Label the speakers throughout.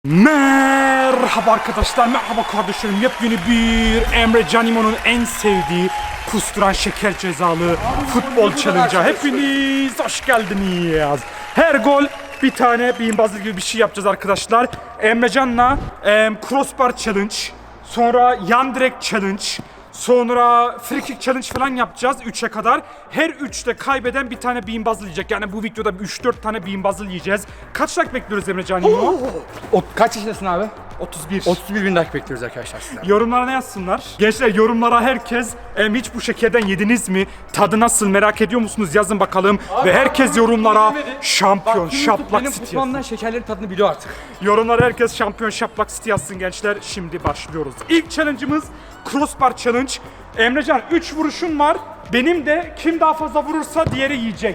Speaker 1: Merhaba arkadaşlar, merhaba kardeşlerim. Yepyeni bir Emre Canimo'nun en sevdiği kusturan şeker cezalı futbol challenge'a hepiniz hoş geldiniz. Her gol bir tane beanbazlı gibi bir şey yapacağız arkadaşlar. Emre Can'la crossbar challenge, sonra yan direk challenge, sonra free kick challenge falan yapacağız 3'e kadar. Her 3'te kaybeden bir tane beanbazlı yiyecek. Yani bu videoda 3-4 tane beanbazlı yiyeceğiz. Kaç like bekliyoruz Emre Canimo?
Speaker 2: Kaç yaşındasın abi?
Speaker 1: 31.
Speaker 2: 31 bin like bekliyoruz arkadaşlar sizden.
Speaker 1: Yorumlara ne yazsınlar? Gençler yorumlara herkes hiç bu şekerden yediniz mi? Tadı nasıl merak ediyor musunuz? Yazın bakalım. Ve herkes yorumlara şampiyon şaplak
Speaker 2: Benim
Speaker 1: siti
Speaker 2: futbolumdan
Speaker 1: yazsın.
Speaker 2: şekerlerin tadını biliyor artık.
Speaker 1: Yorumlara herkes şampiyon şaplak siti yazsın gençler. Şimdi başlıyoruz. İlk challenge'ımız crossbar challenge. Emrecan 3 vuruşun var. Benim de kim daha fazla vurursa diğeri yiyecek.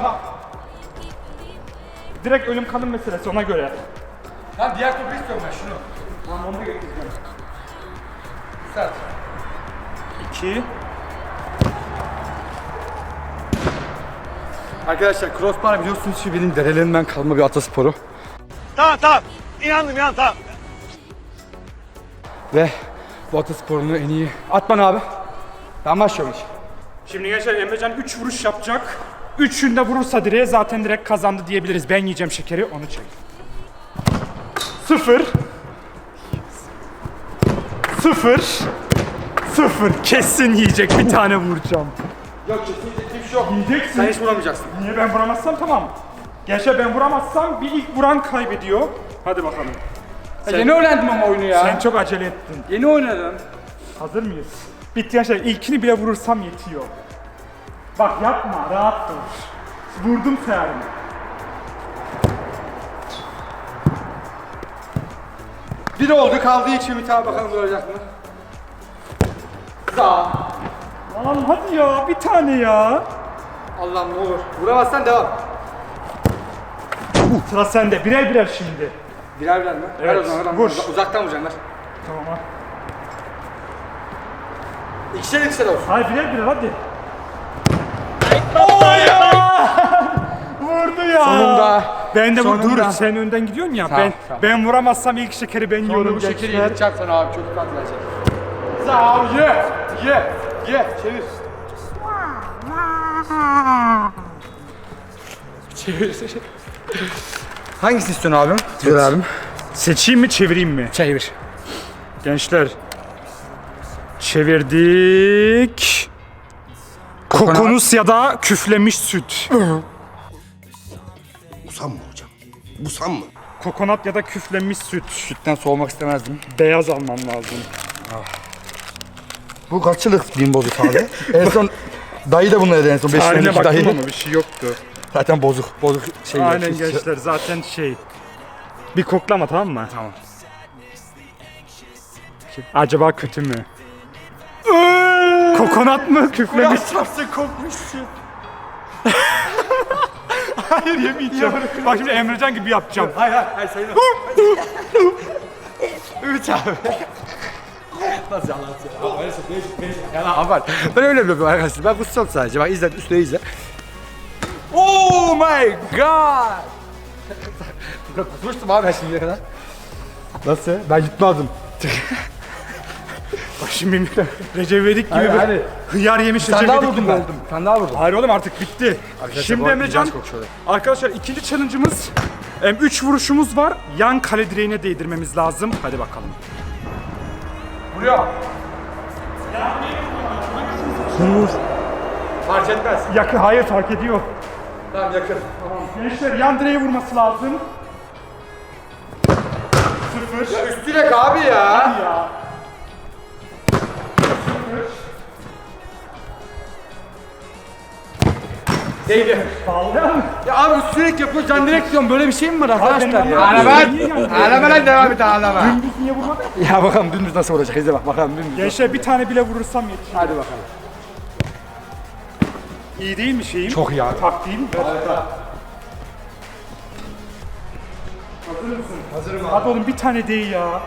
Speaker 1: Direkt ölüm kalım meselesi ona göre.
Speaker 2: Lan diğer topu istiyorum ben şunu.
Speaker 1: Tamam onu da getireceğim.
Speaker 2: Sert.
Speaker 1: 2.
Speaker 2: Arkadaşlar crossbar biliyorsunuz ki benim derelerimden kalma bir atasporu.
Speaker 3: Tamam. İnandım tamam.
Speaker 2: Ve bu atasporunu en iyi... At bana abi. Ben başlıyorum hiç.
Speaker 1: Şimdi gençler Emrecan 3 vuruş yapacak. 3'ünde vurursa direğe zaten direkt kazandı diyebiliriz. Ben yiyeceğim şekeri, onu çek. 0 0 kesin yiyecek, bir tane vuracağım.
Speaker 2: Yok kesinlikle bir şey yok.
Speaker 1: Yiyeceksin.
Speaker 2: Sen hiç vuramamayacaksın.
Speaker 1: Niye ben vuramazsam tamam. Gençler ben vuramazsam bir ilk vuran kaybediyor. Hadi bakalım.
Speaker 2: Yeni öğrendim ama oyunu ya.
Speaker 1: Sen çok acele ettin.
Speaker 2: Yeni oynadım.
Speaker 1: Hazır mıyız? Bitti gençler, ilkini bile vurursam yetiyor. Bak yapma, rahat dur. Vurdum seherimi.
Speaker 2: Bir oldu kaldı ilk Ümit abi bakalım vuracak mı? Sağ.
Speaker 1: Lan hadi ya, bir tane ya.
Speaker 2: Allah'ım ne olur. Vuramazsan devam.
Speaker 1: Sıra sende, birer birer şimdi.
Speaker 2: Birer mi?
Speaker 1: Evet,
Speaker 2: Ver o zaman.
Speaker 1: vur.
Speaker 2: Uzaktan vuracaksın ver.
Speaker 1: Tamam ha.
Speaker 2: İkişer olsun.
Speaker 1: Hayır birer birer hadi. Oh ya! Vurdu ya.
Speaker 2: Sonunda.
Speaker 1: Ben de dur,
Speaker 2: Sonunda.
Speaker 1: sen önden gidiyorsun ya.
Speaker 2: Tamam,
Speaker 1: ben
Speaker 2: tamam.
Speaker 1: ben vuramazsam ilk şekeri ben yiyorum
Speaker 2: Bu şekeri
Speaker 1: gençler.
Speaker 2: yedireceğim sana abi çok tatlı gelecek. Sağ ol ye çevir. Çevir. Hangisini istiyorsun abim? Dur abim.
Speaker 1: Seçeyim mi, çevireyim mi?
Speaker 2: Çevir.
Speaker 1: Gençler. Çevirdik. Kokonus ya da küflemiş süt.
Speaker 4: Busam mı hocam? Busam mı?
Speaker 1: Kokonat ya da küflemiş süt.
Speaker 2: Sütten soğumak istemezdim.
Speaker 1: Beyaz alman lazım.
Speaker 2: Bu kaç yıllık bin bozuk abi? En son dayı da bunları en son 5
Speaker 1: Haline
Speaker 2: senelik
Speaker 1: baktım
Speaker 2: dayı.
Speaker 1: ama bir şey yoktu.
Speaker 2: Zaten bozuk şey.
Speaker 1: Aynen
Speaker 2: yok.
Speaker 1: gençler, zaten şey. Bir koklama, tamam mı?
Speaker 2: Tamam.
Speaker 1: Acaba kötü mü? Kokonat mı? Küflemiş.
Speaker 2: Çarpsa kokmuşsun.
Speaker 1: Hayır yemeyeceğim. Bak şimdi Emrecan gibi yapacağım.
Speaker 2: Hayır sayılır. Ümit abi. Nasıl yalan yalan abi. Ben öyle yapıyorum arkadaşlar. Ben kutsam sadece. Bak izle üstüne izle. Oh my god. Kusmuştum abi ben şimdiye kadar. Nasıl? Ben yutmadım.
Speaker 1: Bak şimdi Recep İvedik gibi
Speaker 2: Hadi,
Speaker 1: bir hıyar yemiş
Speaker 2: Sen
Speaker 1: Recep
Speaker 2: daha
Speaker 1: İvedik
Speaker 2: vurdun
Speaker 1: gibi
Speaker 2: ben.
Speaker 1: oldum.
Speaker 2: Sen daha vurdun.
Speaker 1: Hayır oğlum artık bitti. Şimdi Emrecan, arkadaşlar ikinci challenge'ımız 3 vuruşumuz var. Yan kale direğine değdirmemiz lazım. Hadi bakalım.
Speaker 2: Vuruyor.
Speaker 1: Fark etmez. Yakın, hayır fark ediyor.
Speaker 2: Tamam yakın.
Speaker 1: Gençler yan direğe vurması lazım. 0.
Speaker 2: Üst direk abi ya.
Speaker 1: Ya.
Speaker 2: Değdi.
Speaker 1: Bağlayan mı?
Speaker 2: Ya abi üst direk yapıyor can direkt diyorum. Böyle bir şey mi var arkadaşlar
Speaker 1: benim
Speaker 2: ya?
Speaker 1: anlamadım.
Speaker 2: Ağlama lan devam et ağlama.
Speaker 1: Dümdüz niye vurmadın?
Speaker 2: Ya bakalım dümdüz nasıl olacak? İzle bak bakalım dümdüz.
Speaker 1: Gençler bir tane bile vurursam yetiyor.
Speaker 2: Hadi bakalım.
Speaker 1: İyi değil mi şeyim?
Speaker 2: Çok iyi abi.
Speaker 1: Taktiğim. Hazır mısın?
Speaker 2: Hazırım abi.
Speaker 1: Hadi oğlum bir tane değil ya.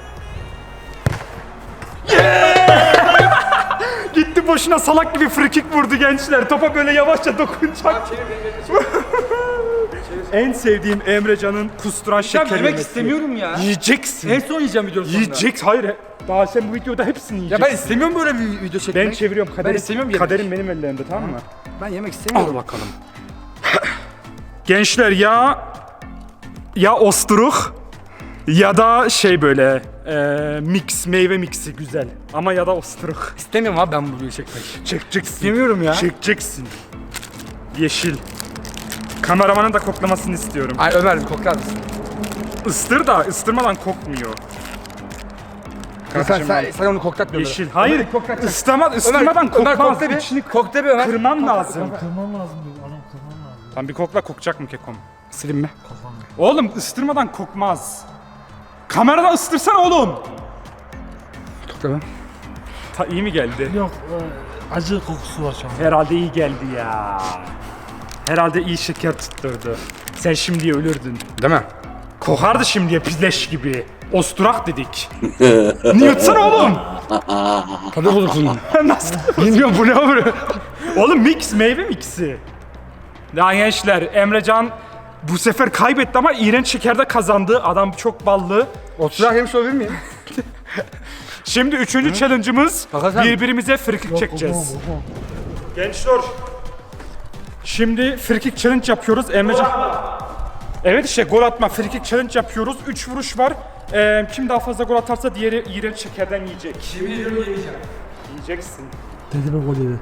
Speaker 1: Gitti boşuna salak gibi free kick vurdu gençler. Topa böyle yavaşça dokunacak.
Speaker 2: Çevir beni çevir. Çevir.
Speaker 1: En sevdiğim Emrecan'ın kusturan şeker
Speaker 2: yemek
Speaker 1: yemesi.
Speaker 2: istemiyorum ya.
Speaker 1: Yiyeceksin.
Speaker 2: En son yiyeceğim videonun sonunda.
Speaker 1: Yiyecek. Hayır. Daha sen bu videoda hepsini
Speaker 2: Ya
Speaker 1: yiyeceksin.
Speaker 2: ben istemiyorum böyle bir video çekmek.
Speaker 1: Ben çeviriyorum. Kaderim,
Speaker 2: istemiyorum yemek.
Speaker 1: kaderim benim ellerimde, tamam mı?
Speaker 2: Ben yemek
Speaker 1: Al
Speaker 2: istemiyorum.
Speaker 1: bakalım. Gençler ya osturuk ya da şey böyle mix, meyve mixi güzel. Ama ya da osturuk.
Speaker 2: İstemiyorum abi ben bu videoyu çekmek.
Speaker 1: Çekeceksin.
Speaker 2: İstemiyorum ya.
Speaker 1: Çekeceksin. Yeşil. Kameramanın da koklamasını istiyorum.
Speaker 2: Ay Ömer bir koklar mısın?
Speaker 1: Istır da ıstırmadan kokmuyor. Kardeşim,
Speaker 2: Sen onu koklatmıyorsun.
Speaker 1: yeşil. Hayır.
Speaker 2: Ömer, koklat.
Speaker 1: Istırmadan
Speaker 2: Ömer
Speaker 1: kokmaz.
Speaker 2: kokla bir.
Speaker 1: İçini
Speaker 2: Kokla bir Ömer.
Speaker 1: kırman lazım.
Speaker 5: Kırmam lazım diyor. Adam kırmam lazım.
Speaker 1: Lan bir kokla, kokacak mı kekom?
Speaker 2: Silin mi?
Speaker 1: Oğlum ıstırmadan kokmaz. Kameradan ıstırsana oğlum.
Speaker 2: Kokla mı?
Speaker 1: İyi mi geldi?
Speaker 5: Yok acı kokusu var şu an.
Speaker 1: Herhalde iyi geldi ya. Herhalde iyi şeker tutturdu. Sen şimdiye ölürdün.
Speaker 2: Değil mi?
Speaker 1: Kokardı şimdiye pizleş gibi. Osturak dedik. Niye yutsana oğlum?
Speaker 2: Tadı bulursun.
Speaker 1: Nasıl?
Speaker 2: Bilmiyorum bu ne olur.
Speaker 1: Oğlum mix, meyve mixi. Ya gençler, Emrecan bu sefer kaybetti ama iğrenç şekerde kazandı. Adam çok ballı.
Speaker 2: Oturak yemiş olabilir miyim?
Speaker 1: Şimdi üçüncü challenge'ımız
Speaker 2: Bakalım.
Speaker 1: birbirimize frikik çekeceğiz. Gençler, şimdi frikik challenge yapıyoruz. Emrecan... Evet işte gol atma, frikik challenge yapıyoruz. 3 vuruş var. Kim daha fazla gol atarsa diğeri iğrenç şekerden yiyecek.
Speaker 2: Yemin ediyorum yemeyeceğim.
Speaker 1: Yiyeceksin.
Speaker 5: Dedi mi gol yedi.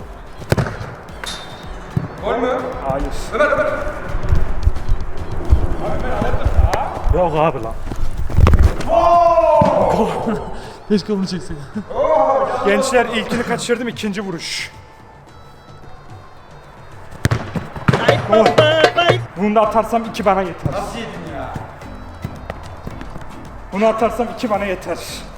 Speaker 2: Gol mü?
Speaker 1: Hayır.
Speaker 2: Ömer.
Speaker 5: Yok abi lan. Keşke bunu çeksek.
Speaker 1: Gençler ilkini kaçırdım, ikinci vuruş. Gol. Bunu da atarsam 2 bana yeter.
Speaker 2: Nasıl yedin ya?
Speaker 1: Bunu atarsam 2 bana yeter.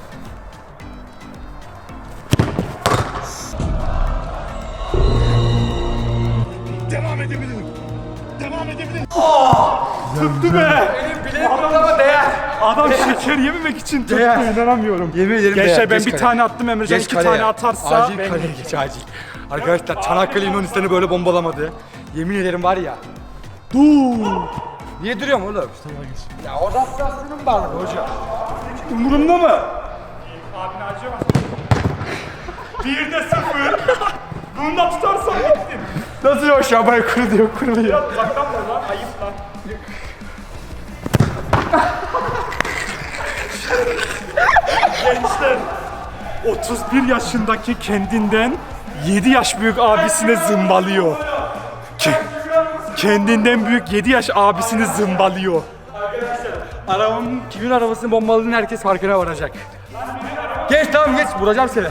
Speaker 3: Devam edebilirim. Devam edebilirim.
Speaker 1: Tuttu be!
Speaker 2: Benim bileğim ama değer.
Speaker 1: Adam şeker yememek için tuttu,
Speaker 2: Değer.
Speaker 1: inanamıyorum.
Speaker 2: Yemin ederim
Speaker 1: Gençler
Speaker 2: değer.
Speaker 1: ben
Speaker 2: Geç
Speaker 1: bir
Speaker 2: kaleye.
Speaker 1: tane attım, Emrecan
Speaker 2: Geç
Speaker 1: 2
Speaker 2: kaleye.
Speaker 1: tane atarsa
Speaker 2: Acil
Speaker 1: ben...
Speaker 2: kaleye geç acil. Arkadaşlar Çanakkale Yunanistan'ı böyle bombalamadı. Yemin ederim var ya.
Speaker 1: Dur!
Speaker 2: Niye duruyorum oğlum? Ya o adaptasyonum vardı hocam.
Speaker 1: Umurumda mı? Abine acıyor musun? 1'de 0. Bunu da tutarsan gittin.
Speaker 2: Nasıl o şabayı kuruluyor.
Speaker 1: Uzaktan vur lan, ayıp lan. Gençler, 31 yaşındaki kendinden 7 yaş büyük abisine zımbalıyor. Kendinden büyük 7 yaş abisini zımbalıyor.
Speaker 2: Arabamın kimin arabasını bombaladığını herkes farkına varacak. Geç tamam geç vuracağım seni.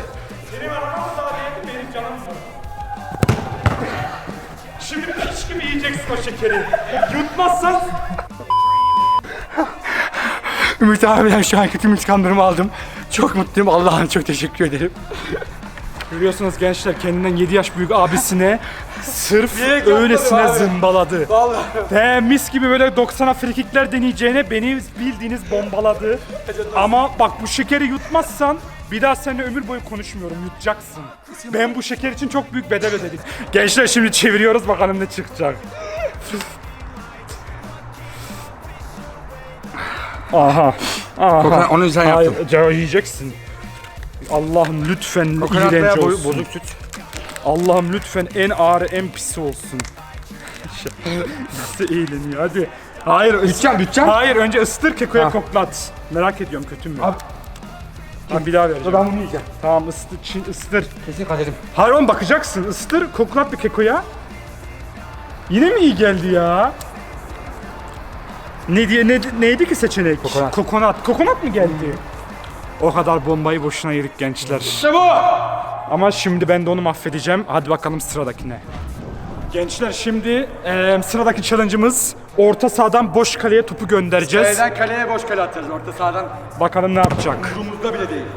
Speaker 1: Şimdi piç gibi yiyeceksin o şekeri. Yutmazsan
Speaker 2: Ümit abiden şu anki tüm intikamlarımı aldım. Çok mutluyum Allah'ım çok teşekkür ederim.
Speaker 1: görüyorsunuz gençler, kendinden 7 yaş büyük abisine sırf
Speaker 2: Direkt yapmadım
Speaker 1: öylesine
Speaker 2: abi.
Speaker 1: zımbaladı.
Speaker 2: Vallahi.
Speaker 1: Ve mis gibi böyle 90'a frikikler deneyeceğine beni bildiğiniz bombaladı. Ama bak bu şekeri yutmazsan bir daha seninle ömür boyu konuşmuyorum, yutacaksın. Ben bu şeker için çok büyük bedel ödedim. Gençler şimdi çeviriyoruz, bakalım ne çıkacak. Aha. Aha.
Speaker 2: Onu sen yaptın.
Speaker 1: Hayır, yiyeceksin. Allah'ım lütfen
Speaker 2: Kokonat
Speaker 1: iğrenç
Speaker 2: veya
Speaker 1: olsun.
Speaker 2: bozuk süt.
Speaker 1: Allah'ım lütfen en ağır, en pisi olsun. Nasıl eğleniyor hadi. Hayır,
Speaker 2: Bütçem.
Speaker 1: hayır önce ısıtır, kekoya
Speaker 2: Ha.
Speaker 1: koklat. Merak ediyorum kötü mü?
Speaker 2: Abi.
Speaker 1: Tamam bir daha vereceğim.
Speaker 2: Ben bunu yiyeceğim.
Speaker 1: Tamam ısıtır.
Speaker 2: Kesin kaderim.
Speaker 1: Hayır oğlum bakacaksın, ısıtır, koklat bir kekoya. Yine mi iyi geldi ya? Neydi ki seçenek?
Speaker 2: Kokonat.
Speaker 1: Kokonat mı geldi? O kadar bombayı boşuna yedik gençler.
Speaker 2: İşte bu.
Speaker 1: Ama şimdi ben de onu mahvedeceğim. Hadi bakalım sıradakine. Gençler şimdi sıradaki challenge'ımız orta sahadan boş kaleye topu göndereceğiz.
Speaker 2: Kaleden kaleye boş kale atacağız. Orta sahadan
Speaker 1: Bakalım ne yapacak.
Speaker 2: umurumuzda bile değil.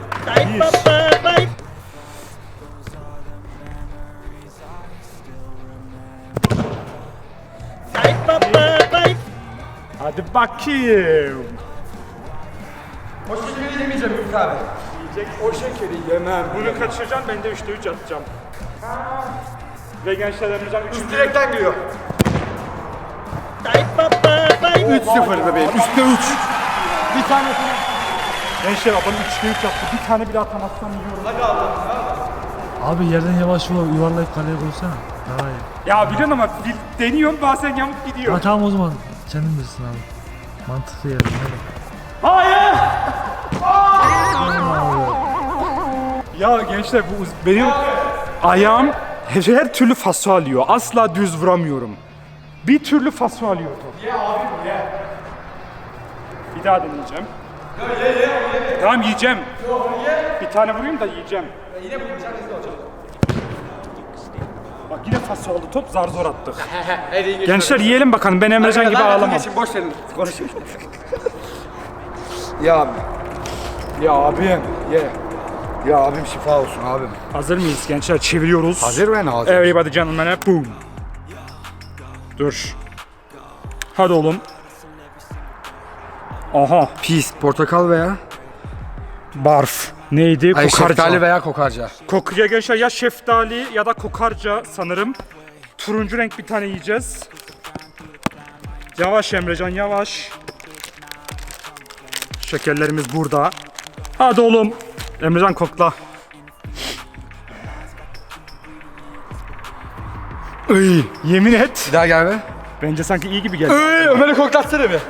Speaker 1: Hadi bakayım.
Speaker 2: O şekeri yemeyeceğim Ümit abi. Yiyecek. O şekeri yemem.
Speaker 1: Bunu kaçıracaksın, ben de 3'te 3 atacağım. Ve gençler Emrecan 3.
Speaker 2: Direkten giriyor. 3-0 bebeğim. 3'te 3. Bir tanesini.
Speaker 1: Gençler adam 3'te 3 yaptı. Bir tane bile atamazsam yiyorum.
Speaker 5: Abi yerden yavaş yuvarlayıp kaleye koysana. Daha iyi.
Speaker 1: Ya biliyorsun ama deniyorum bazen yamuk gidiyor.
Speaker 5: Ha tamam o zaman. Kendin bilirsin abi. Mantıklı yerden hadi.
Speaker 1: Hayır! Ya gençler bu benim ayağım her türlü faso alıyor. Asla düz vuramıyorum. Bir türlü faso alıyor top. Ye abi ye. Bir daha deneyeceğim. Tamam yiyeceğim. Bir tane vurayım da yiyeceğim. Yine vuracağım. Bak yine faso oldu top zar zor attık. Gençler yiyelim bakalım ben Emrecan gibi ağlamam.
Speaker 2: Boş verin. Konuşayım. Ya abi. Ya abim. Ye. Ya abim şifa olsun abim.
Speaker 1: Hazır mıyız gençler? Çeviriyoruz.
Speaker 2: Hazır ben hazır.
Speaker 1: Everybody gentlemen, boom. Dur. Hadi oğlum. Aha.
Speaker 2: Pis, portakal veya
Speaker 1: Barf. Neydi?
Speaker 2: ay
Speaker 1: Kokarca.
Speaker 2: şeftali veya kokarca.
Speaker 1: Kokuya gençler ya şeftali ya da kokarca sanırım. Turuncu renk bir tane yiyeceğiz. Yavaş Emrecan yavaş. Şekerlerimiz burada. Hadi oğlum. Emrecan kokla. Iy, yemin et.
Speaker 2: Bir daha gel be.
Speaker 1: Bence sanki iyi gibi geldi.
Speaker 2: Ömer'i koklatsana bir.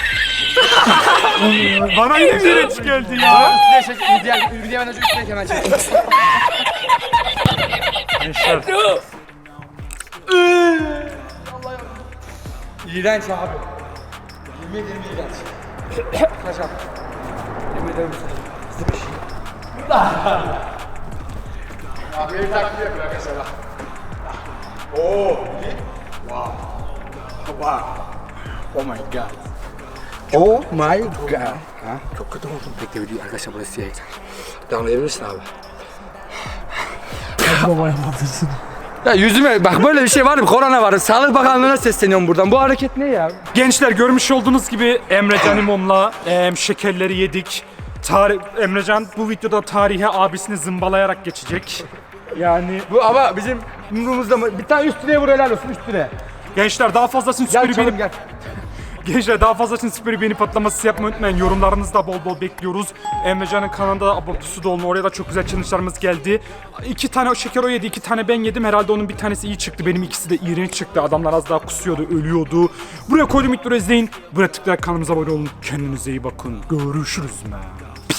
Speaker 1: Bana yine direnç geldi ya.
Speaker 2: Videodan önce üstüne hemen çek.
Speaker 1: Gençler.
Speaker 2: İğrenç abi. Yemin ederim iğrenç. Kaçam. Yemin ederim sıkış. Abi bir takip yapıyor mesela. Oo. Wow. Wow. Oh my god. Oh my god. Ha? Çok kötü oldum. Bekle video arkadaşlar burası siyah ekran. Devam edebilir misin abi?
Speaker 5: Hadi babaya batırsın.
Speaker 2: Ya yüzüme bak böyle bir şey var mı? Korona var. Sağlık Bakanlığı'na sesleniyorum buradan. Bu hareket ne ya?
Speaker 1: Gençler görmüş olduğunuz gibi Emrecan İmom'la şekerleri yedik. Emrecan bu videoda tarihe abisini zımbalayarak geçecek. Yani
Speaker 2: Bu ama bizim umurumuzda mı? Bir tane üstüne vur helal olsun üstüne.
Speaker 1: gençler daha fazlasını
Speaker 2: Gel
Speaker 1: süperi
Speaker 2: çalım
Speaker 1: beğeni...
Speaker 2: gel.
Speaker 1: Gençler daha fazlasını süperi beğeni patlaması yapmayı unutmayın. Yorumlarınızı da bol bol bekliyoruz. Emrecan'ın kanalında abonesi de olun. Oraya da çok güzel challenge'larımız geldi. 2 tane şeker o yedi, 2 tane ben yedim. Herhalde onun bir tanesi iyi çıktı. Benim ikisi de iğrenç çıktı. Adamlar az daha kusuyordu, ölüyordu. Buraya koydum, ilk izleyin. Buraya tıklayarak kanalımıza abone olun. Kendinize iyi bakın. Görüşürüz.